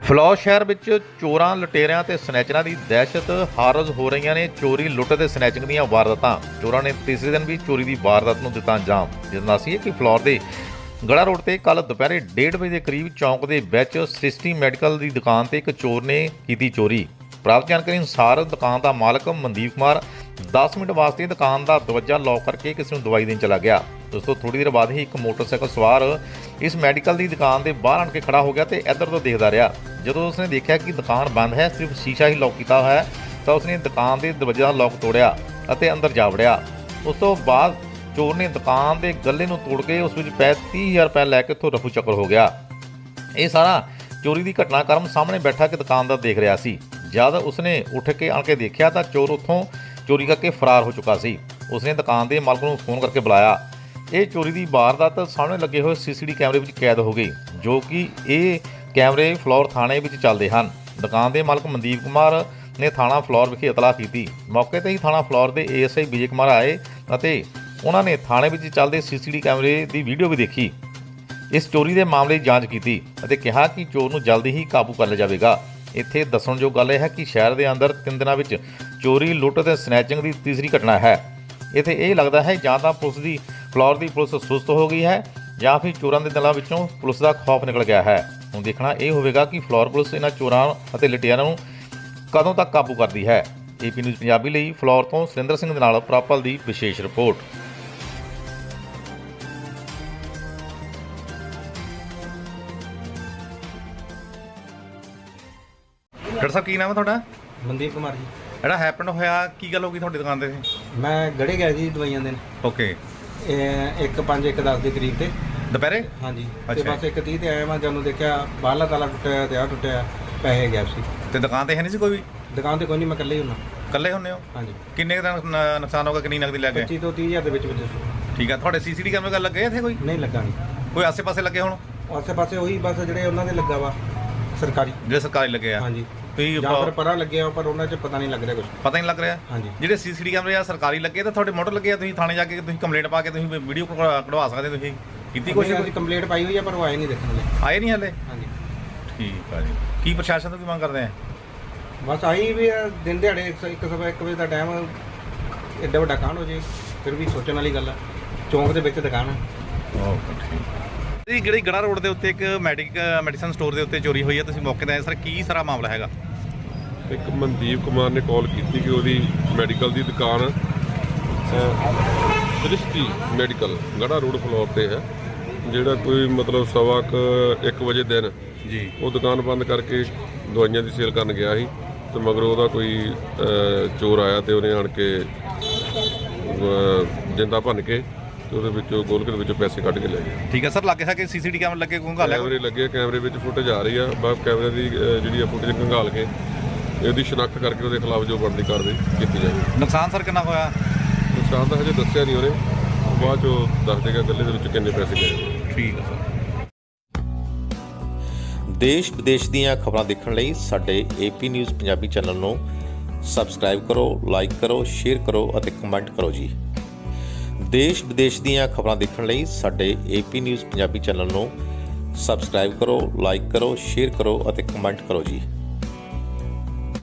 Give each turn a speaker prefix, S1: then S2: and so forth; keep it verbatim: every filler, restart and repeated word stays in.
S1: Flour ਸ਼ਹਿਰ ਵਿੱਚ ਚੋਰਾਂ ਲੁਟੇਰਿਆਂ ਤੇ ਸਨੈਚਰਾਂ ਦੀ ਦਹਿਸ਼ਤ ਹਾਰਜ ਹੋ ਰਹੀਆਂ ਨੇ। ਚੋਰੀ ਲੁੱਟ ਤੇ ਸਨੈਚਿੰਗ ਦੀਆਂ ਵਾਰਦਾਤਾਂ। ਚੋਰਾਂ ਨੇ ਤੀਸਰੇ ਦਿਨ ਵੀ ਚੋਰੀ ਦੀ ਵਾਰਦਾਤ ਨੂੰ ਦਿੱਤਾ ਅੰਜਾਮ। ਜਿਸਦਾ ਸੀ ਕਿ ਫਲੌਰ ਦੇ ਗੜਾ ਰੋਡ ਤੇ ਕੱਲ ਦੁਪਹਿਰੇ ਡੇਢ ਵਜੇ ਦੇ ਕਰੀਬ ਚੌਂਕ ਦੇ ਵਿੱਚ ਸ੍ਰਿਸ਼ਟੀ ਮੈਡੀਕਲ ਦੀ ਦੁਕਾਨ ਤੇ ਇੱਕ ਚੋਰ ਨੇ ਕੀਤੀ ਚੋਰੀ। ਪ੍ਰਾਪਤ ਜਾਣਕਾਰੀ ਅਨੁਸਾਰ ਦੁਕਾਨ ਦਾ ਮਾਲਕ ਮਨਦੀਪ ਕੁਮਾਰ ਦਸ ਮਿੰਟ ਵਾਸਤੇ ਦੁਕਾਨ ਦਾ ਦਰਵਾਜ਼ਾ ਲੌਕ ਕਰਕੇ ਕਿਸੇ ਨੂੰ ਦਵਾਈ ਦੇਣ ਚਲਾ ਗਿਆ। ਉਸ ਤੋਂ ਥੋੜੀ ਦੇਰ ਬਾਅਦ ਹੀ ਇੱਕ ਮੋਟਰਸਾਈਕਲ ਸਵਾਰ ਇਸ ਮੈਡੀਕਲ ਦੀ ਦੁਕਾਨ ਦੇ ਬਾਹਰ ਆਣ ਕੇ ਖੜਾ ਹੋ ਗਿਆ ਤੇ ਇੱਧਰ ਤੋਂ ਦੇਖਦਾ ਰਿਹਾ। ਜਦੋਂ ਉਸਨੇ ਦੇਖਿਆ ਕਿ ਦੁਕਾਨ ਬੰਦ ਹੈ, ਸਿਰਫ ਸ਼ੀਸ਼ਾ ਹੀ ਲੌਕ ਕੀਤਾ ਹੋਇਆ ਹੈ, ਤਾਂ ਉਸਨੇ ਦੁਕਾਨ ਦੇ ਦਰਵਾਜ਼ੇ ਦਾ ਲੌਕ ਤੋੜਿਆ ਅਤੇ ਅੰਦਰ ਜਾ ਵੜਿਆ। ਉਸ ਤੋਂ ਬਾਅਦ ਚੋਰ ਨੇ ਦੁਕਾਨ ਦੇ ਗੱਲੇ ਨੂੰ ਤੋੜ ਕੇ ਉਸ ਵਿੱਚ ਪਏ ਤੀਹ ਹਜ਼ਾਰ ਰੁਪਏ ਲੈ ਕੇ ਉੱਥੋਂ ਰਫੂ ਚੱਕਰ ਹੋ ਗਿਆ। ਇਹ ਸਾਰਾ ਚੋਰੀ ਦੀ ਘਟਨਾਕ੍ਰਮ ਸਾਹਮਣੇ ਬੈਠਾ ਕਿ ਦੁਕਾਨਦਾਰ ਦੇਖ ਰਿਹਾ ਸੀ। ਜਦ ਉਸਨੇ ਉੱਠ ਕੇ ਆਣ ਕੇ ਦੇਖਿਆ ਤਾਂ ਚੋਰ ਉੱਥੋਂ ਚੋਰੀ ਕਰਕੇ ਫਰਾਰ ਹੋ ਚੁੱਕਾ ਸੀ। ਉਸਨੇ ਦੁਕਾਨ ਦੇ ਮਾਲਕ ਨੂੰ ਫੋਨ ਕਰਕੇ ਬੁਲਾਇਆ। ਇਹ ਚੋਰੀ ਦੀ ਵਾਰਦਾਤ ਸਾਹਮਣੇ ਲੱਗੇ ਹੋਏ ਸੀਸੀਟੀ ਕੈਮਰੇ ਵਿੱਚ ਕੈਦ ਹੋ ਗਈ, ਜੋ ਕਿ ਇਹ ਕੈਮਰੇ ਫਲੌਰ ਥਾਣੇ ਵਿੱਚ ਚੱਲਦੇ ਹਨ। ਦੁਕਾਨ ਦੇ ਮਾਲਕ ਮਨਦੀਪ ਕੁਮਾਰ ਨੇ ਥਾਣਾ ਫਲੌਰ ਵਿਖੇ ਇਤਲਾਹ ਕੀਤੀ। ਮੌਕੇ ਤੇ ਹੀ ਥਾਣਾ ਫਲੌਰ ਦੇ ਏਐਸਆਈ ਵਿਜੇ ਕੁਮਾਰ ਆਏ ਅਤੇ ਉਹਨਾਂ ਨੇ ਥਾਣੇ ਵਿੱਚ ਚੱਲਦੇ ਸੀਸੀਟੀ ਕੈਮਰੇ ਦੀ ਵੀਡੀਓ ਵੀ ਦੇਖੀ। ਇਸ ਚੋਰੀ ਦੇ ਮਾਮਲੇ ਦੀ ਜਾਂਚ ਕੀਤੀ ਅਤੇ ਕਿਹਾ ਕਿ ਚੋਰ ਨੂੰ ਜਲਦੀ ਹੀ ਕਾਬੂ ਕਰ ਲਿਆ ਜਾਵੇਗਾ। ਇੱਥੇ ਦੱਸਣਯੋਗ ਗੱਲ ਇਹ ਹੈ ਕਿ ਸ਼ਹਿਰ ਦੇ ਅੰਦਰ ਤਿੰਨ ਦਿਨਾਂ ਵਿੱਚ ਚੋਰੀ, ਲੁੱਟ ਅਤੇ ਸਨੈਚਿੰਗ ਦੀ ਤੀਸਰੀ ਘਟਨਾ ਹੈ। ਇੱਥੇ ਇਹ ਲੱਗਦਾ ਹੈ ਜਾਂ ਤਾਂ ਪੁਲਿਸ ਦੀ ਫਲੌਰ ਦੀ ਪੁਲਿਸ ਸੁਸਤ ਹੋ ਗਈ ਹੈ ਜਾਂ ਫਿਰ ਚੋਰਾਂ ਦੇ ਦਿਲਾਂ ਵਿੱਚੋਂ ਪੁਲਿਸ ਦਾ ਖੌਫ ਨਿਕਲ ਗਿਆ ਹੈ। ਹੁਣ ਦੇਖਣਾ ਇਹ ਹੋਵੇਗਾ ਕਿ ਫਲੌਰ ਪੁਲਿਸ ਇਹਨਾਂ ਚੋਰਾਂ ਅਤੇ ਲੁਟੇਰਿਆਂ ਨੂੰ ਕਦੋਂ ਤੱਕ ਕਾਬੂ ਕਰਦੀ ਹੈ। ਏਪੀ ਨਿਊਜ਼ ਪੰਜਾਬੀ ਲਈ ਫਲੌਰ ਤੋਂ ਸੁਰਿੰਦਰ ਸਿੰਘ ਦੇ ਨਾਲ ਪ੍ਰਾਪਲ ਦੀ ਵਿਸ਼ੇਸ਼ ਰਿਪੋਰਟ। ਡਾਕਟਰ ਸਾਹਿਬ ਕੀ ਨਾਮ ਹੈ ਤੁਹਾਡਾ?
S2: ਮਨਦੀਪ ਕੁਮਾਰ ਜੀ।
S1: ਜਿਹੜਾ ਹੈਪਨ ਹੋਇਆ ਕੀ ਗੱਲ ਹੋ ਗਈ ਤੁਹਾਡੀ ਦੁਕਾਨ ਤੇ?
S2: ਮੈਂ ਗੜੇ ਗਿਆ ਜੀ ਦਵਾਈਆਂ ਦੇਣ।
S1: ਓਕੇ।
S2: ਇੱਕ ਪੰਜ ਇੱਕ ਦਸ ਦੇ ਕਰੀਬ ਤੇ
S1: ਦੁਪਹਿਰੇ?
S2: ਹਾਂਜੀ। ਤੇ ਬਸ ਇੱਕ ਤੀਹ ਤੇ ਆਇਆ ਮੈਂ, ਜਦੋਂ ਦੇਖਿਆ ਬਾਹਰਲਾ ਤਾਲਾ ਟੁੱਟਿਆ ਤੇ ਆ ਟੁੱਟਿਆ, ਪੈਸੇ ਗਾਇਬ ਸੀ।
S1: ਤੇ ਦੁਕਾਨ ਤੇ ਹੈ ਨਹੀਂ ਸੀ ਕੋਈ ਵੀ?
S2: ਦੁਕਾਨ ਤੇ ਕੋਈ ਨਹੀਂ, ਮੈਂ ਇਕੱਲੇ ਹੀ ਹੁੰਨਾ।
S1: ਇਕੱਲੇ ਹੁੰਦੇ ਹੋ?
S2: ਹਾਂਜੀ।
S1: ਕਿੰਨੇ ਦਾ ਨੁਕਸਾਨ ਹੋਗਾ? ਕਿੰਨੀ ਨਕਦੀ ਲੈ ਗਏ?
S2: ਪੱਚੀ ਤੋਂ ਤੀਹ ਹਜ਼ਾਰ ਦੇ ਵਿੱਚ ਵਿੱਚ ਸੀ।
S1: ਠੀਕ ਆ। ਤੁਹਾਡੇ ਸੀਸੀਟੀ ਕੈਮਰੇ ਗੱਲ ਲੱਗੇ ਇੱਥੇ ਕੋਈ?
S2: ਨਹੀਂ ਲੱਗਾ। ਨਹੀਂ
S1: ਕੋਈ ਆਸੇ ਪਾਸੇ ਲੱਗੇ? ਹੁਣ
S2: ਆਸੇ ਪਾਸੇ ਉਹੀ ਬਸ ਜਿਹੜੇ ਉਹਨਾਂ ਦੇ ਲੱਗਾ ਵਾ ਸਰਕਾਰੀ,
S1: ਜਿਹੜੇ ਸਰਕਾਰੀ ਲੱਗੇ ਆ।
S2: ਹਾਂਜੀ।
S1: ਤੁਸੀਂ
S2: ਜਾਂ ਫਿਰ ਪਰਾਂ ਲੱਗੇ ਆ ਪਰ ਉਹਨਾਂ 'ਚ ਪਤਾ ਨਹੀਂ ਲੱਗ ਰਿਹਾ ਕੁਝ।
S1: ਪਤਾ ਨਹੀਂ ਲੱਗ ਰਿਹਾ?
S2: ਹਾਂਜੀ।
S1: ਜਿਹੜੇ ਸੀਸੀਟੀ ਕੈਮਰੇ ਆ ਸਰਕਾਰੀ ਲੱਗੇ ਤਾਂ ਤੁਹਾਡੇ ਮੋਟਰ ਲੱਗੇ ਆ, ਤੁਸੀਂ ਥਾਣੇ ਜਾ ਕੇ ਤੁਸੀਂ ਕੰਪਲੇਂਟ ਪਾ ਕੇ ਤੁਸੀਂ ਵੀਡੀਓ ਕਢਵਾ ਸਕਦੇ। ਤੁਸੀਂ ਕੀਤੀ ਕੋਸ਼ਿਸ਼?
S2: ਅਸੀਂ ਕੰਪਲੇਂਟ ਪਾਈ ਹੋਈ ਆ ਪਰ ਉਹ ਆਏ ਨਹੀਂ ਦੇਖਣ ਲਈ।
S1: ਆਏ ਨਹੀਂ ਹਲੇ?
S2: ਹਾਂਜੀ।
S1: ਠੀਕ ਆ ਜੀ। ਕੀ ਪ੍ਰਸ਼ਾਸਨ ਤੋਂ ਕੀ ਮੰਗ ਕਰਦੇ ਆ?
S2: ਬਸ ਆਹੀ ਵੀ ਦਿਨ ਦਿਹਾੜੇ ਇੱਕ ਸਵਾ ਇੱਕ ਵਜੇ ਦਾ ਟਾਈਮ, ਐਡਾ ਵੱਡਾ ਕਾਂਡ ਹੋ ਜੇ ਫਿਰ ਵੀ ਸੋਚਣ ਵਾਲੀ ਗੱਲ ਆ। ਚੌਂਕ ਦੇ ਵਿੱਚ ਦੁਕਾਨ ਆ।
S1: ਓਕੇ, ਠੀਕ। ਜੀ ਜਿਹੜੀ ਗੜਾ ਰੋਡ ਦੇ ਉੱਤੇ ਇੱਕ ਮੈਡੀਕ ਮੈਡੀਸਨ ਸਟੋਰ ਦੇ ਉੱਤੇ ਚੋਰੀ ਹੋਈ ਹੈ, ਤੁਸੀਂ ਮੌਕੇ ਤੇ ਆਏ ਸਰ, ਕੀ ਸਾਰਾ ਮਾਮਲਾ ਹੈਗਾ?
S3: ਇੱਕ ਮਨਦੀਪ ਕੁਮਾਰ ਨੇ ਕਾਲ ਕੀਤੀ ਕਿ ਉਹਦੀ ਮੈਡੀਕਲ ਦੀ ਦੁਕਾਨ ਸ੍ਰਿਸ਼ਟੀ ਮੈਡੀਕਲ ਗੜਾ ਰੋਡ ਫਲੋਰ ਤੇ ਹੈ, ਜਿਹੜਾ ਕੋਈ ਮਤਲਬ ਸਵਾ ਕੁ ਇੱਕ ਵਜੇ ਦਿਨ
S1: ਜੀ
S3: ਉਹ ਦੁਕਾਨ ਬੰਦ ਕਰਕੇ ਦਵਾਈਆਂ ਦੀ ਸੇਲ ਕਰਨ ਗਿਆ ਸੀ ਤੇ ਮਗਰੋਂ ਉਹਦਾ ਕੋਈ ਚੋਰ ਆਇਆ ਤੇ ਉਹਨੇ ਆਣ ਕੇ ਜਿੰਦਾ ਭੰਨ ਕੇ ਤੇ ਉਹਦੇ ਵਿੱਚੋਂ ਗੋਲਕ ਦੇ ਵਿੱਚੋਂ ਪੈਸੇ ਕੱਢ ਕੇ ਲੈ ਗਏ।
S1: ਠੀਕ ਹੈ ਸਰ। ਲੱਗੇ ਸਕੇ ਸੀਸੀਟੀ ਕੈਮਰੇ ਲੱਗੇ ਘੰਗਾਲ
S3: ਕੈਮਰੇ ਲੱਗੇ, ਕੈਮਰੇ ਵਿੱਚ ਫੁਟੇਜ ਆ ਰਹੀ ਆ। ਬਸ ਕੈਮਰੇ ਦੀ ਜਿਹੜੀ ਆ ਫੁਟੇਜ ਘੰਗਾਲ ਕੇ ਇਹਦੀ ਸ਼ਨਾਖਤ ਕਰਕੇ ਉਹਦੇ ਖਿਲਾਫ ਜੋ ਬਣਦੀ ਕਾਰਵਾਈ ਕੀਤੀ ਜਾਏ।
S1: ਨੁਕਸਾਨ ਸਰ ਕਿੰਨਾ ਹੋਇਆ?
S3: ਨੁਕਸਾਨ ਤਾਂ ਹਜੇ ਦੱਸਿਆ ਨਹੀਂ ਉਹਨੇ, ਬਾਅਦ ਚੋਂ ਦੱਸ ਦੇਗਾ ਗੱਲੇ ਦੇ ਵਿੱਚ ਕਿੰਨੇ ਪੈਸੇ ਗਏ।
S1: ਠੀਕ ਹੈ ਸਰ।
S4: ਦੇਸ਼ ਵਿਦੇਸ਼ ਦੀਆਂ ਖਬਰਾਂ ਦੇਖਣ ਲਈ ਸਾਡੇ ਏਪੀ ਨਿਊਜ਼ ਪੰਜਾਬੀ ਚੈਨਲ ਨੂੰ ਸਬਸਕ੍ਰਾਈਬ ਕਰੋ, ਲਾਈਕ ਕਰੋ, ਸ਼ੇਅਰ ਕਰੋ ਅਤੇ ਕਮੈਂਟ ਕਰੋ ਜੀ। ਦੇਸ਼ ਵਿਦੇਸ਼ ਦੀਆਂ ਖਬਰਾਂ ਦੇਖਣ ਲਈ ਸਾਡੇ ਏਪੀ ਨਿਊਜ਼ ਪੰਜਾਬੀ ਚੈਨਲ ਨੂੰ ਸਬਸਕ੍ਰਾਈਬ ਕਰੋ, ਲਾਈਕ ਕਰੋ, ਸ਼ੇਅਰ ਕਰੋ ਅਤੇ ਕਮੈਂਟ ਕਰੋ ਜੀ।